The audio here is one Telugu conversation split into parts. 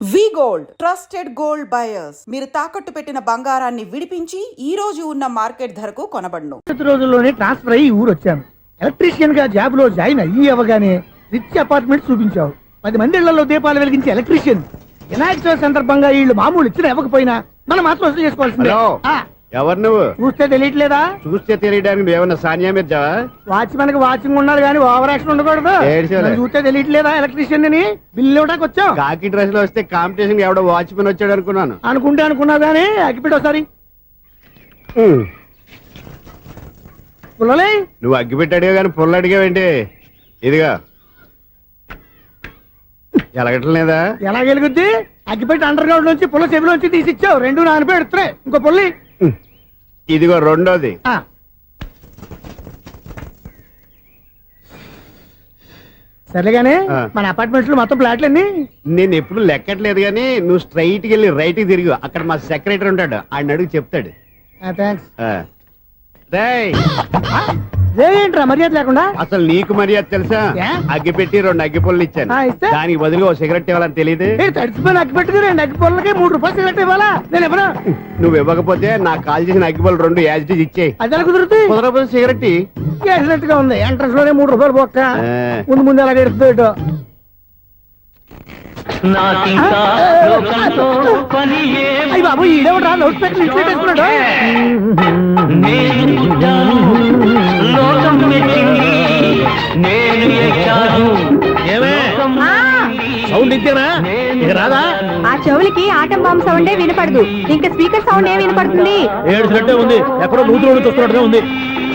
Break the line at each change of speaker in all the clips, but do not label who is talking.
వి గోల్డ్ ట్రస్టెడ్ గోల్డ్ బయర్స్ మీరు తాకట్టు పెట్టిన బంగారాన్ని విడిపించి ఈ రోజు ఉన్న మార్కెట్ ధరకు కొనబడును.
రోజుల్లోనే ట్రాన్స్ఫర్ అయ్యి ఊరు వచ్చాను. ఎలక్ట్రీషియన్ గా జాబ్ లో జాయిన్ అయ్యి అవగానే రిచ్ అపార్ట్మెంట్ చూపించావు. 10 మంది ఇళ్లలో దీపాలు వెలిగించే ఎలక్ట్రీషియన్. వినాయక చవితి సందర్భంగా వీళ్ళు మామూలు ఇచ్చిన ఇవ్వకపోయినా మనం మాత్రం వసూలు చేసుకోవాల్సిందే.
ఎవరు నువ్వు?
చూస్తే తెలియట్లేదా?
చూస్తే తెలియడానికి నువ్వేమన్నా సానియా మీర్జా?
వాచ్మెన్ కి వాచింగ్ ఉండాలి కానీ ఓవర్ యాక్షన్ ఉండకూడదు. చూస్తే తెలియట్లేదా ఎలక్ట్రీషియన్ అని? బిల్లు ఇవ్వడానికి వచ్చావు.
కాకి డ్రెస్ లో వస్తే కాంపిటీషన్ ఎవడో వాచ్మెన్ వచ్చాడు అనుకున్నాను.
అనుకున్నావు కానీ అగ్గిపెట్టి ఒకసారి పుల్లలే.
నువ్వు అగ్గిపెట్టి అడిగా కానీ పుల్ల అడిగావేంటి? ఇదిగా ఎలగట్లేదా?
ఎలా వెలుగుద్ది? అగ్గిపెట్టి అండర్ గ్రౌండ్ నుంచి పుల్ల చెవిలోంచి తీసిచ్చావు. 2 నానపై ఎడుతున్నాయి. ఇంకో పుల్లి
ఇదిగో రెండోది.
సరేగానే మన అపార్ట్మెంట్స్ లో మొత్తం ఫ్లాట్లు అన్ని
నేను ఎప్పుడు లెక్కట్లేదు కానీ నువ్వు స్ట్రైట్ కి వెళ్ళి రైట్ కి తిరిగి అక్కడ మా సెక్రటరీ ఉంటాడు, ఆయన అడుగు చెప్తాడు.
ఏంట్రా మర్యాద లేకుండా?
అసలు నీకు మర్యాద తెలుసా? అగ్గి పెట్టి 2 అగ్గి పుల్లలు ఇచ్చాను. దానికి బదులుగా ఓ సిగరెట్ ఇవ్వాలని తెలియదు.
తడిచిపోయిన అగ్గి పెట్టి 2 అగ్గి పుల్లలకి 3 రూపాయలు సిగరెట్ ఇవ్వాలా? నేను ఇవ్వను.
నువ్వు ఇవ్వకపోతే నాకు కాల్ చేసిన అగ్గి పుల్లలు 2 యాజిటీస్ ఇచ్చేయి.
అది ఎలా కుదురుతుంది?
కుదరకపోతే సిగరెట్
చేసినట్టుగా ఉంది. ఎంట్రన్స్ లోనే 3 రూపాయలు పోక్క. ముందు అలా ఎడుతుంది. బాబు ఈడేవడా లౌడ్ స్పీకర్ ఇన్స్టేట్ చేసుకున్నాడు. సౌండ్ ఇంతేనా? ఇక రాదా?
ఆ చెవులకి ఆటం బాంబు సౌండే వినపడదు. ఇంకా స్పీకర్ సౌండ్ ఏ వినపడుతుంది?
ఏడుసినట్టే ఉంది. ఎక్కడో నూతులు చూస్తున్నట్టుగా ఉంది.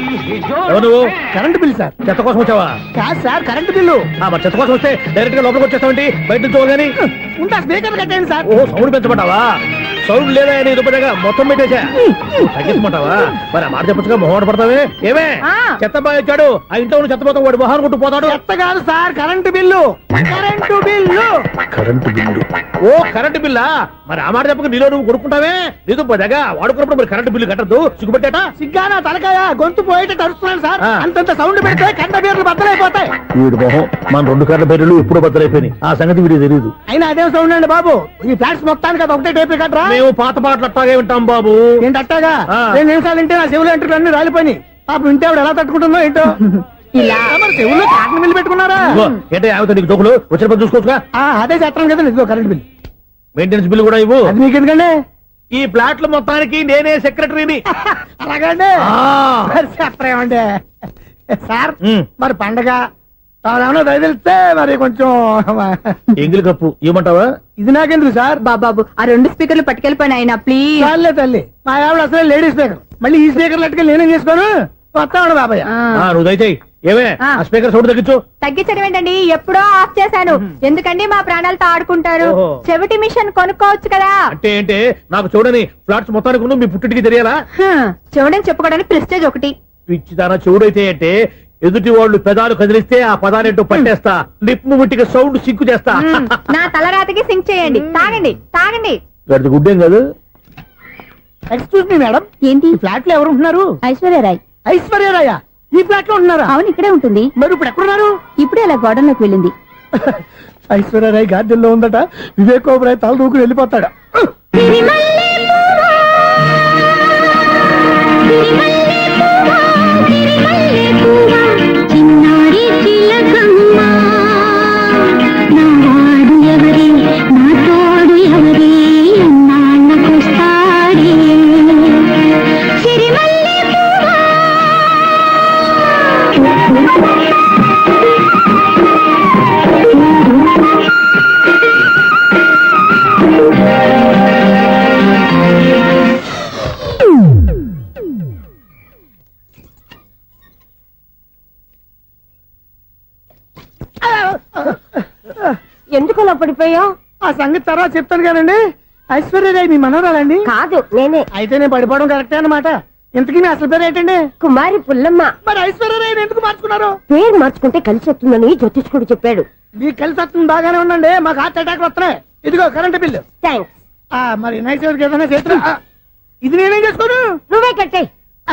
నువ్వు
కరెంట్ బిల్ సార్.
చెత్త కోసం వచ్చావా?
కాదు సార్, కరెంట్ బిల్లు.
మరి చెత్త కోసం వస్తే డైరెక్ట్ గా లోపలికి వచ్చేస్తావంటి? బయట నుంచి కానీ
ఉంటా. స్పీకర్ కట్టేయండి సార్.
ఓ సౌండ్ పెంచమంటావా? సౌండ్ లేదా నీ దుప్పటగా మొత్తం పెట్టేసా తగ్గించమంటావా? మరి ఆ మాట చెప్పచ్చుగా మొహం పడతావే. ఏమే చెత్త బాగా వచ్చాడు. ఆ ఇంట్లో చెత్త పోతాం వాడు మొహాన్ని కొట్టు పోతాడు.
చెత్త కాదు sir, current bill. Current bill.
Current bill. ఓ కరెంటు బిల్లా? మరి ఆ మాట చెప్పక నీలో నువ్వు కొడుకుంటావే. నీతో పోదాగా వాడుకున్నప్పుడు మరి కరెంటు బిల్లు కట్టద్దు. సిగ్గుపెట్టేట
సిగ్గానా తలకాయ గొంతు పోయేటట్టు అరుస్తున్నాను సార్. అంతంత సౌండ్ పెడితే కంట బీర్లు బద్దలైపోతాయి.
వీడు మొహం మన 2 కర్ర బీర్లు ఇప్పుడు బద్దలైపోయినాయి. ఆ సంగతి వీడికి తెలియదు.
అయినా అదే సౌండ్ అండి బాబు. ఈ ఫ్లాట్స్ మొత్తానికి అది ఒకటే టైప్ కట్టరా?
మేము పాత పాటలు అట్టాగే వింటాం బాబు.
ఏంటి అట్టాగా? 2 నిమిషాలు వింటే నా చెవులు ఎంటర్ అన్ని రాలిపోయినాయి. పాప వింటే ఆవిడ ఎలా తట్టుకుంటుందో ఏంటో. ఇలా మరి చెవుల్లో కాటన్ బిల్లు పెట్టుకున్నారా?
ఏంటే ఆమెతో నీకు దొక్కులు వచ్చిన పని చూసుకోవచ్చుగా.
అదే చేస్తాను కదా. ఇదిగో కరెంట్ బిల్.
మెయింటెనెన్స్ బిల్లు కూడా ఇవ్వు.
అది మీకు ఎందుకండి?
ఈ ప్లాట్ల మొత్తానికి నేనే సెక్రటరీని.
అలాగండి. చెప్పరేమండి సార్. మరి పండగ ఏమన్నా దయదలిస్తే మరి కొంచెం
ఎంగిలి కప్పు ఇవ్వమంటావా?
ఇది నాకెందుకు సార్?
బాబాబు ఆ 2 స్పీకర్లు పట్టుకెళ్ళిపోయిన ఆయన ప్లీజ్.
చాలే తల్లి, మా ఆవిడ అసలు లేడీ స్పీకర్. మళ్ళీ ఈ స్పీకర్ లెట్టుకెళ్ళి నేనేం చేసుకోను. వస్తాడు బాబాయ్.
నువ్వు దయచేయి. ఏమే స్పీకర్ సౌండ్ తగ్గించు.
తగ్గించడం ఏంటండి? ఎప్పుడో ఆఫ్ చేశాను. ఎందుకండి మా ప్రాణాలతో ఆడుకుంటారు? చెవిటి మిషన్ కొనుక్కోవచ్చు కదా.
అంటే ఏంటే నాకు చూడని ఫ్లాట్స్ మొత్తానికి మీ పుట్టింటికి తెలియాలా?
చెవుడని చెప్పుకోవడానికి ప్రెస్టేజ్ ఒకటి.
పిచ్చిదానా చెవుడైతే అంటే ఎదుటి వాళ్ళు పెదాలు కదిలిస్తే ఆ పదాలేంటో పట్టేస్తా. లిప్ ముట్టికి సౌండ్ సింకు చేస్తా.
నా తలరాతకి సింక్ చేయండి. తాగండి తాగండి.
గడిచి గుడ్డేం కాదు.
ఎక్స్క్యూజ్ మీ మేడం,
ఏంటి?
ఫ్లాట్ లో ఎవరు ఉంటున్నారు?
ఐశ్వర్యరాయ్.
ఐశ్వర్యరాయ ఈ ఫ్లాట్ లో ఉంటున్నారా?
అవును, ఇక్కడే ఉంటుంది.
మరి ఇప్పుడు ఎక్కడున్నారు?
ఇప్పుడే అలా గోడంలోకి వెళ్ళింది.
ఐశ్వర్యరాయ్ గార్డెన్ లో ఉందట. వివేక్ ఓబరాయ్ తల దూకుని వెళ్ళిపోతాడా?
ఎందుకు అలా పడిపోయావు?
ఆ సంగతి తర్వాత చెప్తాను కానండి. ఐశ్వర్యరాయ్ మీ మనవరాలండి?
కాదు, నేనే.
అయితే నేను పడిపోవడం కరెక్టే అన్నమాట. ఇంతకీ మీ అసలు పేరు ఏంటండి?
కుమారి పుల్లమ్మ.
మరి ఐశ్వర్యరాయ్ ఎందుకు మార్చుకున్నారు?
పేరు మార్చుకుంటే కలిసి వస్తుందని జ్యోతిష్కుడు చెప్పాడు.
మీకు కలిసి వస్తుంది, బాగానే ఉండండి. మాకు హార్ట్ అటాక్ వస్తున్నాయి. ఇదిగో కరెంట్ బిల్లు.
థ్యాంక్స్.
మరి నైట్ ఏదైనా చేతులు ఇది నేనేం చేసుకోను.
నువ్వే కట్టాయి.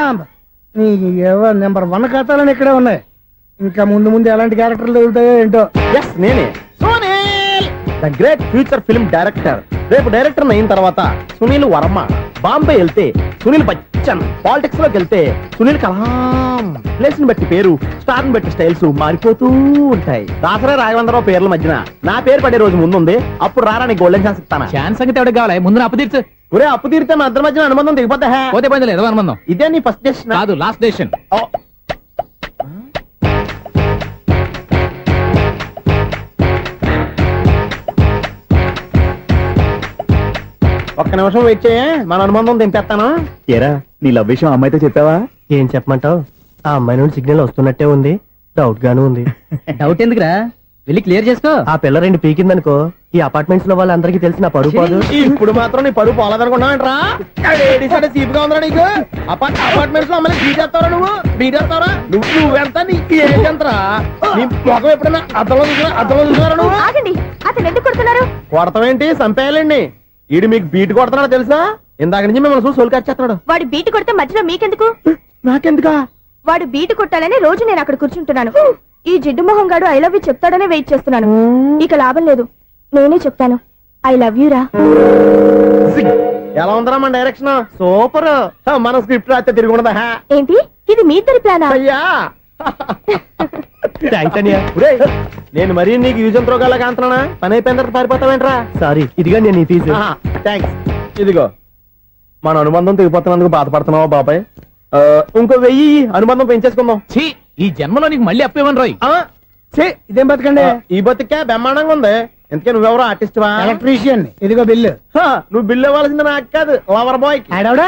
నెంబర్ 1 ఖాతాలని ఇక్కడే ఉన్నాయి. ఇంకా ముందు ముందు ఎలాంటి క్యారెక్టర్లు తగులుతాయో ఏంటో.
నేనే the great future film director. రేపు డైరెక్టర్ అయిన తర్వాత సునీల్ వర్మ. బాంబే వెళ్తే సునీల్ బచ్చన్. పాలిటిక్స్ లోకి వెళ్తే సునీల్ కలాం. ప్లేస్ ని బట్టి పేరు, స్టార్ ని బట్టి స్టైల్స్ మారిపోతూ ఉంటాయి. దాసరా రాఘవేంద్రరావు పేర్ల మధ్యన నా పేరు పడే రోజు ముందుంది. అప్పుడు రారా నీ గోల్డెన్ ఛాన్స్ ఇస్తాను.
ఛాన్స్ సంగతి ఎవరికి కావాలి? ముందు అప్పు తీర్చు.
ఒరే అప్పు తీరితే మా ఇద్దరి మధ్యన అనుబంధం దిగిపోతా.
పోతే పోయింది లేదు అనుబంధం.
ఇదే నీ ఫస్ట్ డెస్టినేషన్
కాదు, లాస్ట్ డెసిషన్.
ఒక్క నిమిషం వెయిట్ చేయ, మన అనుబంధం దింపేస్తాను.
ఏరా నీ లవ్ విషయం అమ్మాయితో చెప్పావా?
ఏం చెప్పమంటావు? ఆ అమ్మాయి నుండి సిగ్నల్ వస్తున్నట్టే ఉంది, డౌట్ గాను ఉంది.
డౌట్ ఎందుకురా, వెళ్ళి క్లియర్ చేసుకో.
ఆ పిల్ల రెండు పీకిందనుకో, ఈ అపార్ట్మెంట్స్ లో వాళ్ళందరికీ తెలిసిన పరుగు పోదు. ఇప్పుడు మాత్రం నీ పరుగు పోలేదనుకున్నావంటరా? సీపుగా ఉందా నీకు? అపార్ట్మెంట్స్ లో అమ్మాయి బీటేస్తావరా? బీటేస్తావరా? నువ్వెంత నీకు ఏంటంతరా? నీ ముఖం ఎప్పుడైనా అద్దంలో చూసారా నువ్వు?
ఆగండి, అతను ఎందుకు కొడుతున్నారు?
కొడతావేంటి? చంపేయాలండి. ఈడు మీకు బీట్ కొడుతున్నాడు తెలుసా? ఇందాక నుంచి మిమ్మల్ని చూసి సోలు కచ్చేస్తున్నాడు.
వాడు బీటు కొడితే మధ్యలో మీకెందుకు?
నాకెందుకా?
వాడు బీటు కొట్టాలని రోజు నేను అక్కడ కూర్చుంటున్నాను. ఈ జిడ్డు మొహం గాడు ఐ లవ్ యూ చెప్తాడనే వెయిట్ చేస్తున్నాను. ఇక లాభం లేదు, నేనే చెప్తాను ఐ లవ్ యూ రా.
ఎలా ఉందరా మన డైరెక్షన్? సూపర్. మన స్క్రిప్ట్ రాస్తే తిరిగి ఉండదా?
ఏంటి ఇది మీ ఇద్దరి ప్లానా?
అయ్యా నేను మరీ నీకు యూజ్ అంత రోగాలకు అంటున్నా. పని అయిపోయిన తర్వాత పారిపోతావేంట్రా? సారీ, ఇదిగా నేను ఈ ఫీజు. థ్యాంక్స్. ఇదిగో మన అనుబంధం తెగిపోతున్నందుకు బాధపడుతున్నావా బాబాయ్? ఇంకో 1000 అనుబంధం పెంచేసుకుందాం.
ఛీ, ఈ జన్మలో నీకు మళ్ళీ అప్పు ఇవ్వను రోయ్.
ఇదేం బతకండి?
ఈ బతికే బ్రహ్మాండంగా ఉంది. ఎందుకే నువ్వెవరో ఆర్టిస్ట్ వా?
ఎలక్ట్రీషియన్. ఇదిగో బిల్లు.
నువ్వు బిల్లు ఇవ్వాల్సింది నాకు కాదు, లవర్ బాయ్.
ఆడవడా?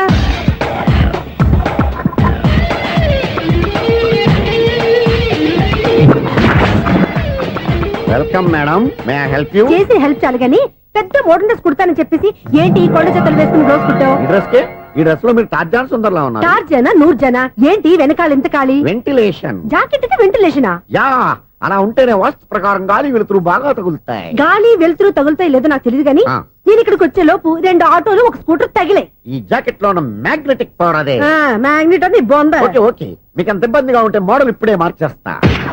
Welcome madam, may I help you?
చేసి హెల్ప్ చాలు గాని పెద్ద మోడల్ డ్రెస్ కుడతానని చెప్పేసి ఏంటి ఈ కొండ చేతులు వేసుకుని రోజు కుట్టావు?
ఈ డ్రెస్ లో మీరు టార్జాన్ సుందర్లా ఉన్నారు.
4 జన 100 జన ఏంటి వెనకాల ఇంత ఖాళీ?
వెంటిలేషన్.
జాకెట్ కి వెంటిలేషనా?
యా, అలా ఉంటేనే వాస్తు ప్రకారం గాలి వెలుతురు బాగా తగులుతాయి.
గాలి వెలుతురు తగులుతాయి లేదో నాకు తెలియదు గాని నేను ఇక్కడికి వచ్చే లోపు 2 ఆటోలు ఒక స్కూటర్ తగిలాయి.
ఈ జాకెట్ లో ఉన్న మ్యాగ్నెటిక్ పవర్ అదే.
మ్యాగ్నెట్ అని బొంద.
ఓకే ఓకే, మీకు అంత ఇబ్బందిగా ఉంటే మోడల్ ఇప్పుడే మార్చేస్తా.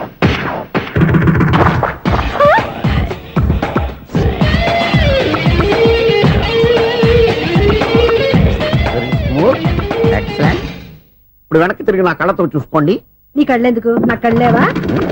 ఎక్సలెంట్. ఇప్పుడు వెనక్కి తిరిగి నా కళ్ళతో చూసుకోండి.
నీ కళ్ళెందుకు, నా కళ్ళేవా?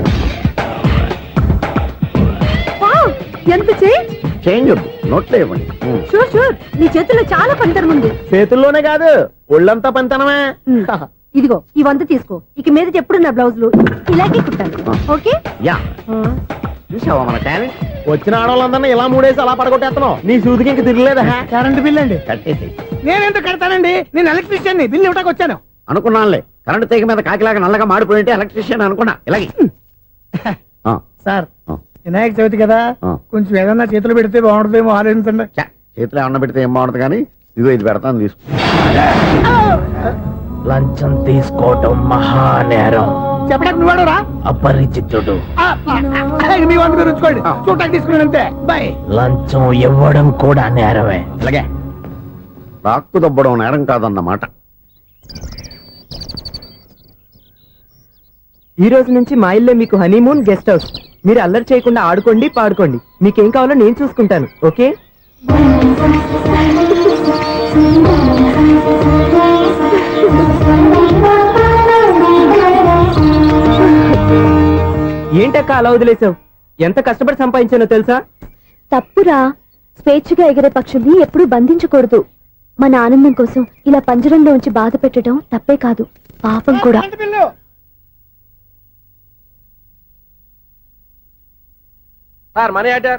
ఎంత
చేంజ్ వద్దు, నోట్లో ఇవ్వండి.
షూర్ షూర్, నీ చేతుల్లో చాలా పనితనం ఉంది.
చేతుల్లోనే కాదు, ఒళ్ళంతా పనితనమే.
ఇదిగో ఈ 100 తీసుకో. ఇక మీద ఎప్పుడు నా బ్లౌజులు ఇలాగే కుట్టాను. ఓకే?
యా, చూసావా మన టాలెంట్? వచ్చిన ఆడవాళ్ళందరినీ ఇలా మూడేసి అలా పడగొట్టేస్తున్నావు. నీ సూదికి ఇంక తిరగలేదా?
కరెంట్ బిల్ అండి.
కట్టేసి.
నేనెందుకు కడతానండి? నేను ఎలక్ట్రీషియన్ ని. బిల్లు ఇవ్వడానికి వచ్చాను.
అనుకున్నానులే, కరెంట్ తీగ మీద కాకిలాగా నల్లగా మాడిపోయింటే ఎలక్ట్రీషియన్ అనుకున్నా. ఇలాగే
సార్, వినాయక చవితి కదా, కొంచెం ఏదన్నా చేతులు పెడితే బాగుంటుందేమో ఆలోచించండి.
చేతిలో ఏమన్నా పెడితే ఏం బాగుంటుంది కానీ ఇదిగో ఇది పెడతాను, తీసుకో.
లంచం తీసుకోవటం మహానేరం.
చెప్పడానికి నువ్వాడురా?
అపరిచితుడు.
మీ వంద మీరు ఉంచుకోండి, చూడటానికి తీసుకున్నాను అంతే. బాయ్.
లంచం ఇవ్వడం కూడా నేరమే.
ఇలాగే రాక్కు దబ్బడం నేరం కాదన్నమాట.
ఈ రోజు నుంచి మా ఇల్లే మీకు హనీమూన్ గెస్ట్ హౌస్. మీరు అల్లరి చేయకుండా ఆడుకోండి, పాడుకోండి. మీకేం కావాలో నేను చూసుకుంటాను. ఓకే? ఏంటక్క అలా వదిలేసావు? ఎంత కష్టపడి సంపాదించానో తెలుసా?
తప్పురా, స్వేచ్ఛగా ఎగిరే పక్షుల్ని ఎప్పుడూ బంధించకూడదు. మన ఆనందం కోసం ఇలా పంజరంలో ఉంచి బాధ పెట్టడం తప్పే కాదు, పాపం కూడా.
Current bill.
Sir money order.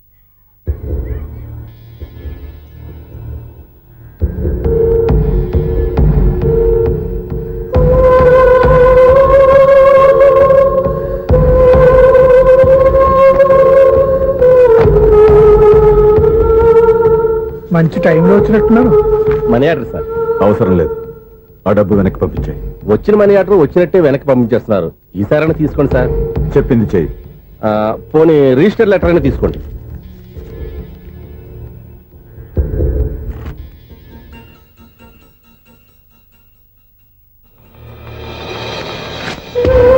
మంచి టైంలో వచ్చినట్టున్నారు.
Money order sir.
అవసరం లేదు, ఆ డబ్బు వెనక్కి పంపించాయి.
వచ్చిన మనీ ఆర్డర్ వచ్చినట్టే వెనక్కి పంపించేస్తున్నారు. ఈసారైనా తీసుకోండి సార్.
చెప్పింది చెయ్యి.
పోనీ రిజిస్టర్ లెటర్ అయినా తీసుకోండి.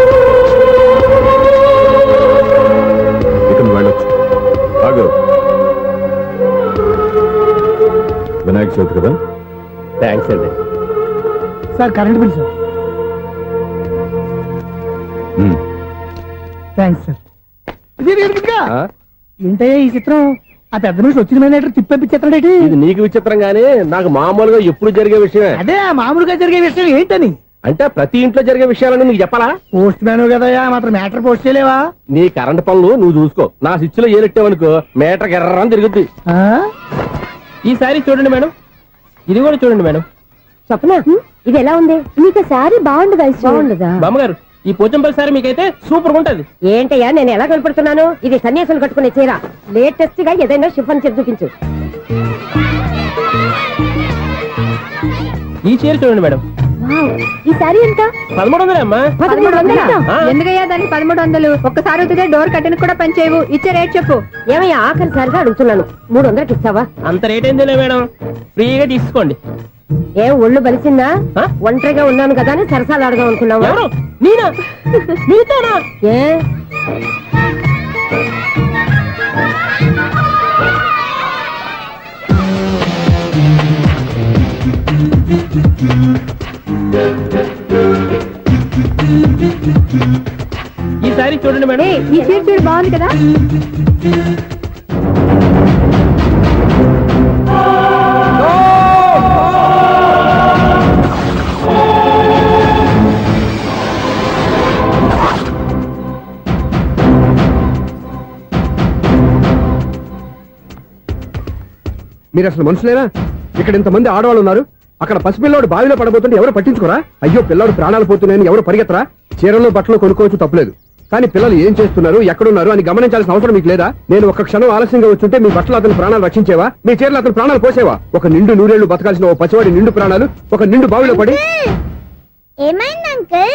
ఇక నువ్వు వెళ్ళొచ్చు. ఆగు. వినాయక చవితి కదా.
థ్యాంక్స్ అండి.
Sir current bill sir.
Um.
Thanks sir. ఇదిగా
ఆ?
ఏంటయ్యా ఈ చిత్రం? ఆ పెద్ద మనిషి వచ్చిన మేనేటర్ తిప్పించేస్తాడేటి?
ఇది నీకు విచిత్రం గానీ నాకు మామూలుగా ఎప్పుడు జరిగే విషయమే.
అదే ఆ మామూలుగా జరిగే విషయం ఏంటని.
అంటే ప్రతి ఇంట్లో జరిగే విషయాలని నీకు చెప్పాలా?
పోస్ట్ మ్యాన్ కదయ్యా, మాత్రం మ్యాటర్ పోస్ట్ చేయలేవా?
నీ కరెంట్ పనులు నువ్వు చూసుకో. నా స్విచ్ లో ఏలెట్టావనుకో మీటర్ ఎర్రని తిరుగుద్ది.
ఆ?
ఈసారి చూడండి మేడం, ఇది కూడా చూడండి మేడం.
చెప్పనా ఇది ఎలా ఉంది? నీకు శారీ బాగుండదా? బాగుండదా?
బామ్మగారు, ఈ పోచంపల్లి సారి మీకైతే సూపర్ ఉంటది.
ఏంటయ్యా నేను ఎలా కనపడుతున్నాను? ఇది సన్యాసులు కట్టుకునే చీర. లేటెస్ట్ గా ఏదైనా షిఫన్ చేసి చూపించు.
ఈ చీర చూడండి మేడం,
వావ్, ఈ శారీ ఎంత?
1300 అమ్మా.
1300?
ఆ.
ఎందుకయ్యా దానికి 1300? ఒక్కసారి అవుతుందే డోర్ కట్టెను కూడా పనిచేయవు. ఇచ్చే రేట్ చెప్పు. ఏమయ్యా ఆఖరిసారిగా అడుగుతున్నాను, 300కి ఇస్తావా?
అంత రేట్ ఏందిలే మేడం, ఫ్రీగా తీసుకోండి.
ఏం ఒళ్ళు బలిసిందా?
ఆ?
ఒంటరిగా ఉన్నాను కదా అని సరసాలు అడగా అనుకున్నావా?
ఎవరు? నేనా? నీతోనా?
ఏ
ఈ సారీ చూడండి మేడం.
ఈ చీర చూడు బాగుంది కదా?
మీరు అసలు మనుషులేనా? ఇక్కడ ఇంతమంది ఆడవాళ్ళు ఉన్నారు, అక్కడ పసిపిల్లాడు బావిలో పడబోతుంటే ఎవరు పట్టించుకోరా? అయ్యో పిల్లాడు ప్రాణాలు పోతున్నాయని ఎవరు పరిగెత్తరా? చీరలు బట్టలు కొనుక్కోవచ్చు, తప్పులేదు. కానీ పిల్లలు ఏం చేస్తున్నారు, ఎక్కడున్నారు అని గమనించాల్సిన అవసరం మీకు లేదా? నేను ఒక్క క్షణం ఆలస్యంగా వచ్చుంటే మీ బట్టలు అతని ప్రాణాలు రక్షించేవా? మీ చీరలు అతని ప్రాణాలు పోసేవా? ఒక నిండు నూరేళ్లు బతకాల్సిన ఓ పసివాడి నిండు ప్రాణాలు ఒక నిండు బావిలో పడి.
ఏమైంది అంకుల్?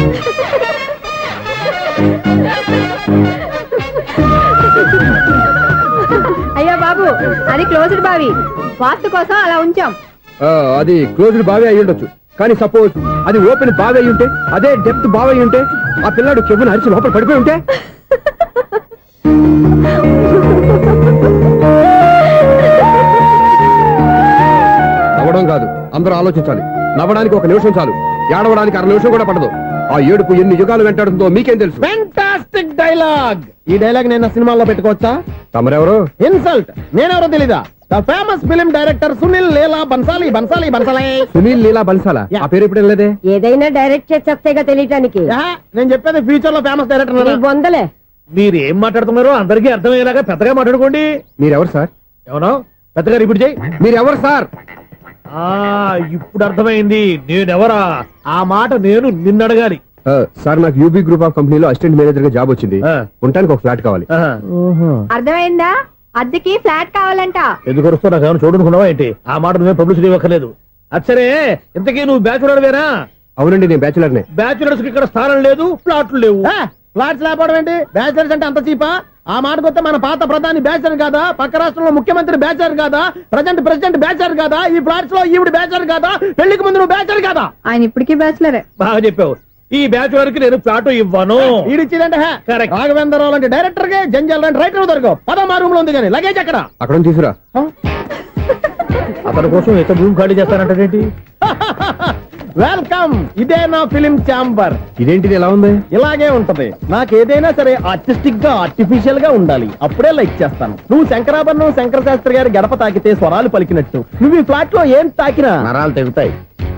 అయ్యో బాబు, అది క్లోజ్డ్ బావి, వాస్తు కోసం అలా ఉంచాం.
అది క్లోజ్డ్ బావి అయి ఉండొచ్చు, కానీ సపోజ్ అది ఓపెన్ బావి అయి ఉంటే, అదే డెప్త్ బావి అయి ఉంటే, ఆ పిల్లాడు చెవును అరిచి లోపల పడిపోయి ఉంటే. నవ్వడం కాదు, అందరూ ఆలోచించాలి. నవ్వడానికి ఒక నిమిషం చాలు, ఏడవడానికి 1/2 నిమిషం కూడా పడదు. ఆ ఏడుపు ఎన్ని యుగాలు వెంటాడుతుందో మీకేం తెలుసు?
Fantastic dialogue. ఈ డైలాగ్ నేను సినిమాలో పెట్టుకోవచ్చా?
తమరెవరు?
ఇన్సల్ట్. నేనెవరో తెలీదా? The famous film director Sunil Leela Bhansali. Bhansali Bhansali
Sunil Leela బన్సాలా? ఆ పేరు ఇప్పుడు లేదే.
ఏదైనా డైరెక్ట్ చేసేస్తేగా తెలియటానికి.
నేను చెప్పేది ఫ్యూచర్ లో ఫేమస్
నీ
డైరెక్టర్.
బొందలే.
మీరు ఏం మాట్లాడుతున్నారో అందరికీ అర్థమయ్యేలాగా పెద్దగా మాట్లాడుకోండి.
మీరెవరు సార్?
ఎవరో పెద్దగా రిపీట్ చేయి.
మీరెవరు సార్?
ఇప్పుడు అర్థమైంది నేనెవరా. ఆ మాట నేను నిన్ను అడగాలి.
సార్, నాకు యూబీ గ్రూప్ ఆఫ్ కంపెనీలో అసిస్టెంట్ మేనేజర్ గా జాబ్ వచ్చింది. ఉండటానికి ఒక ఫ్లాట్ కావాలి.
అర్థమైందా? అద్దెకి ఫ్లాట్ కావాలంట.
ఎందుకు వస్తావు? నాకు ఏమైనా చూడనుకున్నావా ఏంటి? ఆ మాట నువ్వే పబ్లిసిటీ ఇవ్వక్కర్లేదు. అచ్చరే, ఇంతకీ నువ్వు బ్యాచులర్ వేరా?
అవునండి, నేను బ్యాచులర్నే.
బ్యాచులర్స్ కి ఇక్కడ స్థానం లేదు, ఫ్లాట్లు లేవు.
ఫ్లాట్స్ లేకపోవడం ఏంటి? బ్యాచిలర్స్ అంటే అంత చీపా? ఆ మాటకొస్తే మన పాత ప్రధాని బ్యాచర్ కాదా? పక్క రాష్ట్రంలో ముఖ్యమంత్రి బ్యాచర్ కాదా? ప్రెసిడెంట్ బ్యాచర్ కాదా? ఈ ఫ్లాట్స్ లో ఈవిడ బ్యాచర్ కాదా? పెళ్లికి ముందు నువ్వు బ్యాచర్ కాదా?
ఆయన ఇప్పటికీ బ్యాచులరే.
బాగా చెప్పావు. ఈ బ్యాచులర్ కి నేను ఫ్లాట్ ఇవ్వను.
ఈడిచ్చిందంటే
Correct.
రాఘవేంద్రరావు లాంటి డైరెక్టర్ గా జంజల్ లాంటి రైటర్ దొరకవు. పదమా రూమ్ లో ఉంది కానీ లగేజ్ అక్కడ.
అక్కడ తీసుకురా.
అతని కోసం ఎంత భూమి ఖాళీ చేస్తానంటే
వెల్కమ్. ఇదే నా ఫిలిం ఛాంబర్.
ఇదేంటిది ఎలా ఉంది?
ఇలాగే ఉంటది. నాకు ఏదైనా సరే ఆర్టిస్టిక్ గా ఆర్టిఫిషియల్ గా ఉండాలి, అప్పుడే లైక్ చేస్తాను. నువ్వు శంకరాభరణం శంకర శాస్త్రి గారి గడప తాకితే స్వరాలు పలికినట్టు నువ్వు ఈ ఫ్లాట్ లో ఏం తాకినా
నరాలు తెగుతాయి.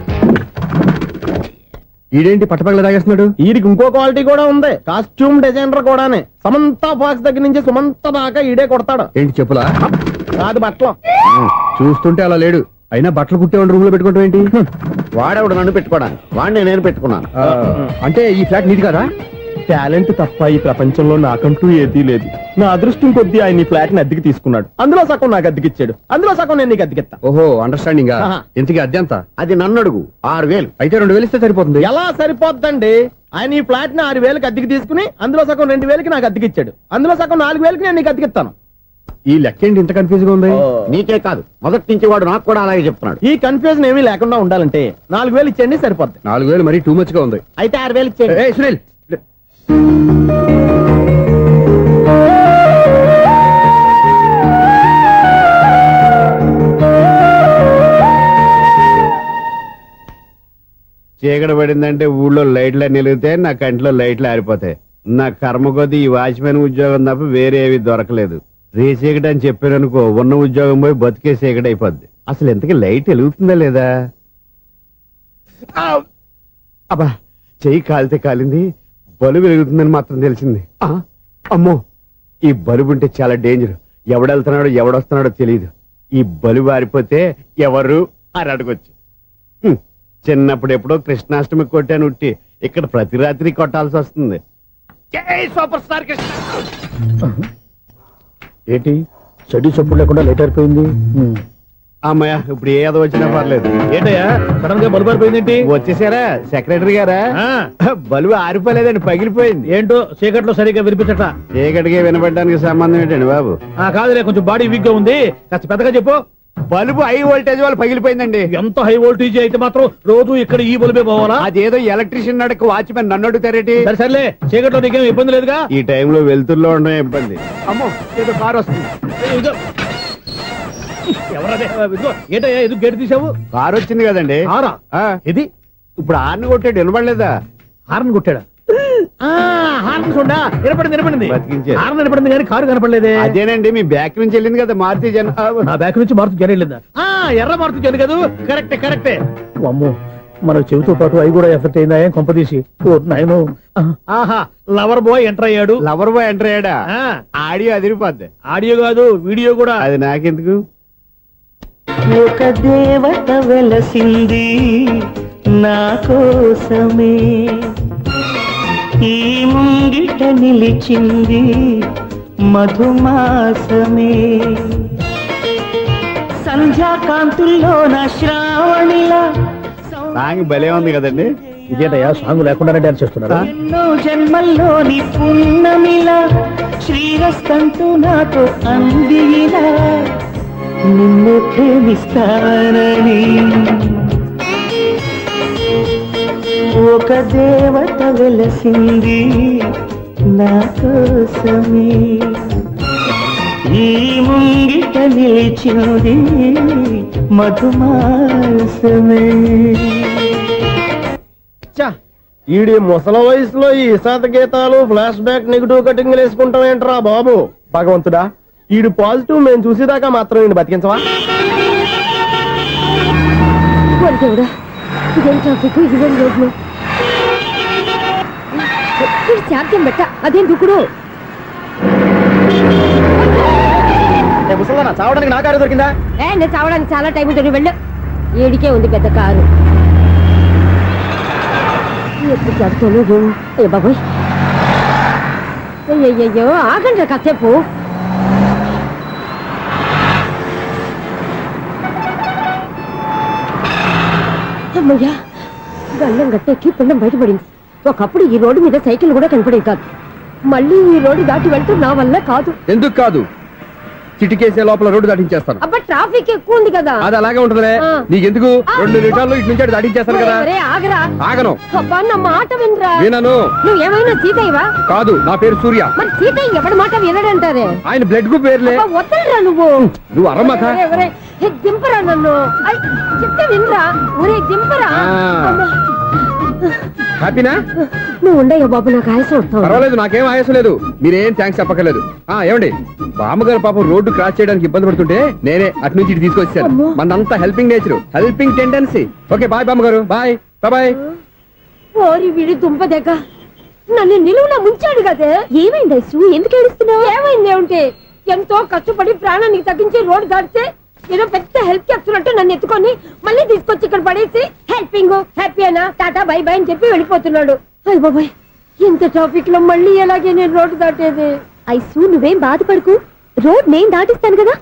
ఈడేంటి పట్టపగల తాగేస్తున్నాడు?
వీడికి ఇంకో క్వాలిటీ కూడా ఉంది. కాస్ట్యూమ్ డిజైనర్ కూడానే. సమంత ఫాక్స్ దగ్గర నుంచి సుమంత దాకా ఈడే కొడతాడు.
ఏంటి చెప్పులా?
కాదు బట్టలు.
చూస్తుంటే అలా లేడు. అయినా బట్టలు కుట్టేవాడి రూమ్ లో పెట్టుకోవడం ఏంటి?
వాడేవాడు నన్ను పెట్టుకోవడానికి, వాడిని నేను పెట్టుకున్నాను.
అంటే ఈ ఫ్లాట్ నీది కదా?
టాలెంట్ తప్ప ఈ ప్రపంచంలో నాకంటూ ఏదీ లేదు. నా అదృష్టం కొద్దీ ఆయన ఈ ఫ్లాట్ ని అద్దెకి తీసుకున్నాడు. అందులో సగం నాకు అద్దెకిచ్చాడు, అందులో సగం నేను నీకు అద్దెకిస్తా.
ఓహో, అండర్స్టాండింగ్.
ఆహా.
ఇంతకీ అద్దె ఎంత?
అది నన్ను అడుగు. 6000.
అయితే 2000 ఇస్తే సరిపోతుంది.
ఎలా సరిపోద్దండి? ఆయన ఈ ఫ్లాట్ ని 6000కి అద్దెకి తీసుకుని అందులో సగం 2000కి నాకు అద్దెకిచ్చాడు, అందులో సగం 4000కి నేను నీకు అద్దెకిస్తాను.
ఈ లెక్క ఏంటి ఇంత కన్ఫ్యూజ్ గా ఉంది?
నీకే కాదు, మొదటి నుంచి వాడు నాకు కూడా అలాగే చెప్తున్నాడు.
ఈ కన్ఫ్యూజన్ ఏమీ లేకుండా ఉండాలంటే 4000 ఇచ్చేయండి, సరిపోద్ది.
4000 మరీ టూ మచ్ గా ఉంది.
అయితే 6000 ఇచ్చేయండి.
ఏయ్ సునీల్,
చీకటి పడిందంటే ఊళ్ళో లైట్లు అన్ని వెలిగితే నా కంటిలో లైట్లు ఆరిపోతాయి. నా కర్మ కొద్దీ ఈ వాచ్మెన్ ఉద్యోగం తప్ప వేరే ఏవి దొరకలేదు. రే చీకటి అని చెప్పాననుకో, ఉన్న ఉద్యోగం పోయి బతికే చీకటి అయిపోద్ది. అసలు ఇంతకీ లైట్ వెలుగుతుందా లేదా? అబ్బా, చెయ్యి కాలితే కాలింది, బలుబు వెలుగుతుందని మాత్రం తెలిసింది. అమ్మో, ఈ బలుబు ఉంటే చాలా డేంజర్. ఎవడెళ్తున్నాడో ఎవడొస్తున్నాడో తెలియదు. ఈ బలుబు ఆరిపోతే ఎవరు అని అడగొచ్చు. చిన్నప్పుడు ఎప్పుడో కృష్ణాష్టమి కొట్టాను ఉట్టి, ఇక్కడ ప్రతి రాత్రి కొట్టాల్సి వస్తుంది. Super star Krishna.
ఏంటి చెడు చప్పుడు లేకుండా లేట్ అయిపోయింది.
అమ్మయ్య, ఇప్పుడు ఏదో వచ్చినా పర్లేదు.
ఏంటయ్యా సడన్ గా బలుపు అయిపోయింది?
వచ్చేసారా సెక్రటరీ గారా? బలుబు ఆరిపోలేదండి, పగిలిపోయింది.
ఏంటో చీకట్లో సరిగ్గా వినిపించట.
చీకటికి వినపడడానికి సంబంధం ఏంటండి బాబు?
కాదులే, కొంచెం బాడీ వీక్ గా ఉంది, కాస్త పెద్దగా చెప్పు.
బల్బు హై వోల్టేజ్ వాళ్ళు పగిలిపోయిందండి.
ఎంత హై వోల్టేజ్ అయితే మాత్రం రోజు ఇక్కడ ఈ బల్బే పోవాలా?
అదేదో ఎలక్ట్రీషియన్ నడక వాచ్మెన్ నన్ను అడుగుతారేటి?
సరే సర్లే, చీకట్లో నీకేం ఇబ్బంది లేదుగా?
ఈ టైంలో వెళ్తుల్లో ఉండడం ఇబ్బంది. అమ్మో, ఏదో కారు వస్తుంది.
ఎవరదే? ఏంటయ్యా ఎదుగు గేటు తీసావు?
కారు వచ్చింది కదండి.
కారా? ఇది
ఇప్పుడు హార్న్ కొట్టాడు, వినపడలేదా?
హార్న్ కొట్టాడా? హార్న్ చూడా వినపడింది.
బతికించారు.
హార్న్ వినపడింది కానీ కారు కనపడలేదే.
అదేనండి, మీ బ్యాక్ నుంచి వెళ్ళింది కదా మారుతి జన.
నా బ్యాక్ నుంచి మారుతు జన వెళ్ళిందా? ఎర్ర మారుతు జన కదా. కరెక్టే. అమ్మో, మనకు చెవితో పాటు అవి కూడా ఎఫెక్ట్ అయిందా ఏం కొంపదీసి? నాయను. ఆహా, లవర్ బాయ్ ఎంటర్ అయ్యాడు.
లవర్ బాయ్ ఎంటర్ అయ్యాడా? ఆడియో అదిరిపోద్ది.
ఆడియో కాదు, వీడియో కూడా.
అది నాకెందుకు?
ఒక దేవత వెలసింది నా కోసమే, ఈ ముంగిట నిలిచింది మధుమాసమే, సంధ్యాకాంతుల్లో నా శ్రావణిలా.
సాంగ్ భలే ఉంది కదండి.
ఇదేటయ్యా సాంగ్ లేకుండానే డాన్స్ చేస్తున్నారా?
ఎన్నో జన్మల్లోని పున్నమిలా శ్రీరస్తంతు నాతో అందిలా, నిన్ను ప్రేమిస్తానని ఒక దేవత వెలసింది నా కోసమే, ఈ ముంగిట నిలిచింది మధుమాసమే.
ఈడి ముసల వయసులో ఈ ఇసాత గీతాలు, ఫ్లాష్ బ్యాక్, నెగిటివ్ కటింగ్ వేసుకుంటాం ఏంట్రా బాబు? భగవంతుడా, ఈడు పాజిటివ్ మేము చూసేదాకా మాత్రం ఈయన బతికించవా?
ఇదేం ట్రాఫిక్, ఇదేం రోడ్లు, శాంతం పెట్ట, అదేం దుక్కుడు.
ముసలనా చావడానికి నా కారు దొరికిందా?
నేను చావడానికి చాలా టైం ఉంటుంది, వెళ్ళు. ఏడికే ఉంది పెద్ద కారు. ఎప్పుడు చదువుతాను ఏ బాబోయ్. అయ్యయ్యో, ఆగండి కాసేపు. అమ్మయ్యా, గల్లం గట్టెక్కి పిండం బయటపడింది. ఒకప్పుడు ఈ రోడ్డు మీద సైకిల్ కూడా కనపడేది కాదు. మళ్ళీ ఈ రోడ్డు దాటి వెళ్తూ నా వల్ల కాదు.
ఎందుకు కాదు? చిటికేసే లోపల రోడ్డు దాటించేస్తాను.
అబ్బా, ట్రాఫిక్ ఎక్కువ ఉంది కదా.
అది అలాగే ఉంటదిలే. నీకెందుకు? 2 నిమిషాల్లో ఇటు నుంచి దాటించేస్తాను కదా.
ఆగరా.
ఆగను.
అబ్బా, నా మాట వినరా.
వినను.
నువ్వేమైనా సీతయ్యవా?
కాదు, నా పేరు సూర్య.
మరి సీతయ్య ఎవడి మాట వినడంటారే?
ఆయన బ్లడ్ గ్రూప్ పేర్లే.
వద్దరా నువ్వు.
నువ్వు అరమ్మక.
దింపరా నన్ను. చెప్తే వినరా. ఊరే దింపరా.
హ్యాపీనా?
నువ్వు ఉండయ్యా బాబు, నాకు ఆయాసం వస్తావు.
పర్వాలేదు, నాకేం ఆయాసం లేదు. మీరేం థ్యాంక్స్ చెప్పక్కర్లేదు. ఏమండి, బామ్మగారు పాపం రోడ్డు క్రాస్ చేయడానికి ఇబ్బంది పడుతుంటే నేనే అటు నుంచి ఇటు తీసుకొచ్చాను. మనంతా helping nature, helping tendency. Okay, bye బామ్మగారు. Bye bye.
ఓరి వీడి దుంప దగ్గర నన్ను నిలువులా ముంచాడు కదే.
ఏమైంది ఐసు? ఎందుకు ఏడుస్తున్నావు?
ఏమైంది అంటే, ఎంతో కష్టపడి ప్రాణానికి తగ్గించి రోడ్డు దాటితే ఏదో పెద్ద హెల్ప్ చేస్తున్నట్టు నన్ను ఎత్తుకొని మళ్ళీ తీసుకొచ్చి ఇక్కడ పడేసి హ్యాపీంగ్ హ్యాపీ అయినా టాటా బై బై అని చెప్పి వెళ్ళిపోతున్నాడు. అయ్య బాబాయ్, ఇంత ట్రాఫిక్ లో మళ్ళీ ఎలాగే నేను రోడ్డు దాటేది?
ఐసు, నువ్వేం బాధపడకు, రోడ్ నేను దాటిస్తాను కదా.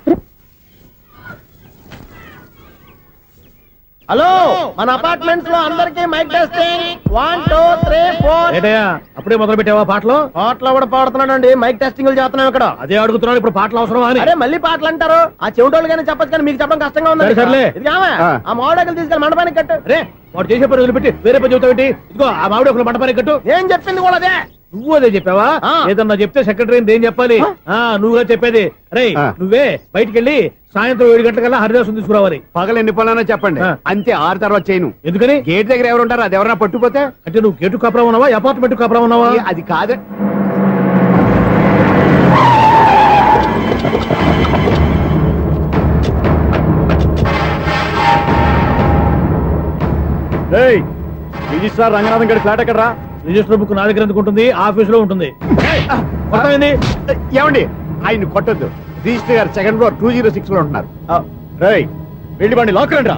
హలో, మన అపార్ట్మెంట్స్ లో అందరికీ మైక్ టెస్టింగ్. 1 2 3 4.
ఏంటయ్యా అప్పుడే మొదలు పెట్టావా పాటలు?
పాటలు కూడా పాడుతున్నాడు, మైక్ టెస్టింగ్ చేస్తున్నాం ఇక్కడ.
అదే అడుగుతున్నాను, ఇప్పుడు పాటలు అవసరమా అని.
అరే మళ్ళీ పాటలు అంటారు, ఆ చెవిటోళ్ళు కానీ చెప్పచ్చు కానీ మీకు చెప్పడం కష్టంగా ఉంది.
సర్లే.
ఆ మామిడాకులు తీసుకెళ్ళి మండపానికి కట్టు.
రే, వాడు చేసే పని వదిలిపెట్టి వేరే పని చెబుతావు. ఇదిగో ఆ మామిడి ఒక మంటపానికి కట్టు.
ఏం చెప్పింది కూడా అదే.
నువ్వు అదే చెప్పావా?
ఆ.
ఏదన్నా చెప్తే సెక్రటరీ ఏం చెప్పాలి? నువ్వుగా చెప్పేది. రే
ఆ.
నువ్వే బయటికి వెళ్ళి సాయంత్రం 7 గంటలకల్లా హరిదాసం తీసుకురావాలి.
పగలు ఎన్ని పనులన్నా చెప్పండి,
ఆ.
అంతే 6 తర్వాత చేయను.
ఎందుకని?
గేట్ దగ్గర ఎవరు ఉంటారు? అది ఎవరన్నా పట్టుపోతే
అంటే నువ్వు గేటు కాపురా ఉన్నావా, అపార్ట్మెంట్ కాపురా ఉన్నావా?
అది కాదే.
రిజిస్ట్రార్ రంగనాథం గారి ఫ్లాట్ ఎక్కడ?
రిజిస్టర్ బుక్ నా దగ్గర ఎందుకు ఉంటుంది? ఆఫీస్ లో ఉంటుంది. అర్థమైంది?
ఏమండి, ఆయన కొట్టద్దు. రిజిస్టర్ గారు 2nd ఫ్లోర్ 206 లో ఉంటున్నారు.
రేయ్ వెళ్ళి వాడిని లాక్కరండి రా.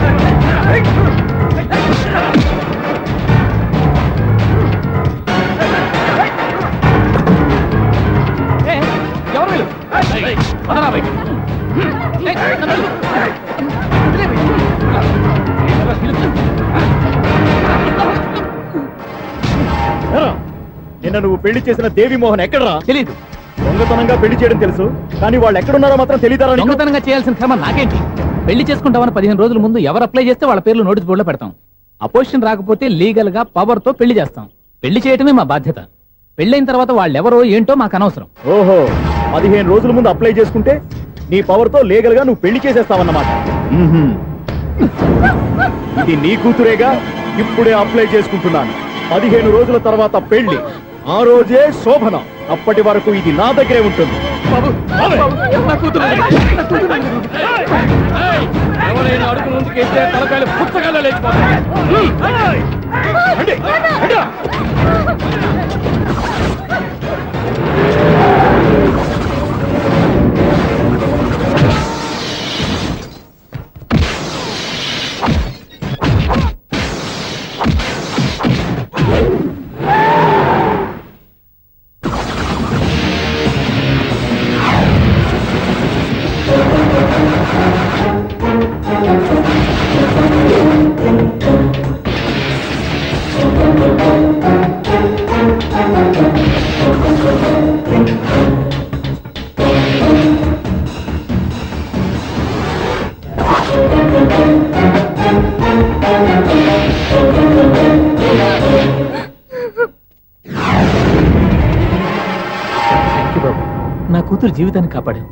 ఎవరు వీళ్ళు? పదరా బయటికి.
ఏరా, నిన్న నువ్వు పెళ్లి చేసిన దేవి మోహన్ ఎక్కడరా?
తెలీదు.
దొంగతనంగా పెళ్లి చేయడం తెలుసు, కానీ వాళ్ళు ఎక్కడున్నారో మాత్రం తెలియదారా?
దొంగతనంగా చేయాల్సిన క్రమం నాకేంటి? పెళ్లి చేసుకుంటామని 15 రోజుల ముందు ఎవరు అప్లై చేస్తే వాళ్ళ పేర్లు నోటీస్ బోర్డులో పెడతాం. అపోజిషన్ రాకపోతే లీగల్ గా పవర్ తో పెళ్లి చేస్తాం. పెళ్లి చేయటమే మా బాధ్యత. పెళ్ళైన తర్వాత వాళ్ళెవరో ఏంటో మాకు అనవసరం.
ఓహో, 15 రోజుల ముందు అప్లై చేసుకుంటే నీ పవర్ తో లీగల్ గా నువ్వు పెళ్లి చేసేస్తావన్నమాట. ఇది నీ కూతురేగా, ఇప్పుడే అప్లై చేసుకుంటున్నాను. 15 రోజుల తర్వాత పెళ్లి, ఆ రోజే శోభన. అప్పటి వరకు ఇది నా దగ్గరే ఉంటుంది.
ఎవరైనా అడుగు ముందుకేస్తే తలకాయలు పుచ్చకాయలు లేచిపోతాయి.
రండి, రండి రా.
నా కూతురు జీవితాన్ని కాపాడావు.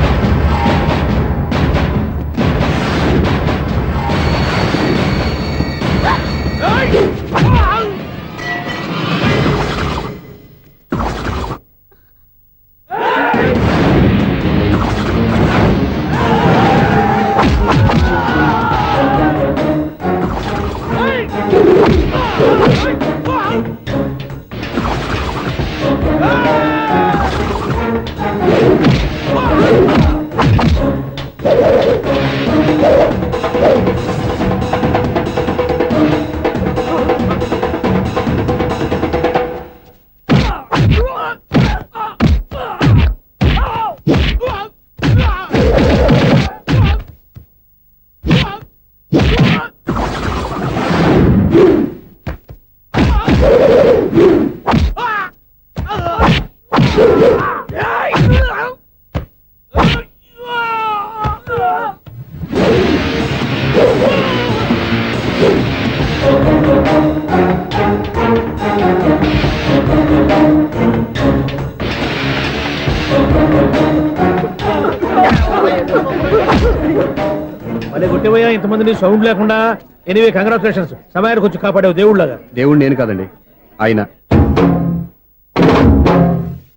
మళ్ళీ కొట్టేవయ్యా ఇంతమందిని సౌండ్ లేకుండా. ఎనీవే కంగ్రాచులేషన్స్, సమయానికి వచ్చి కాపాడావు దేవుళ్ళగా.
దేవుడు నేను కాదండి, ఆయన.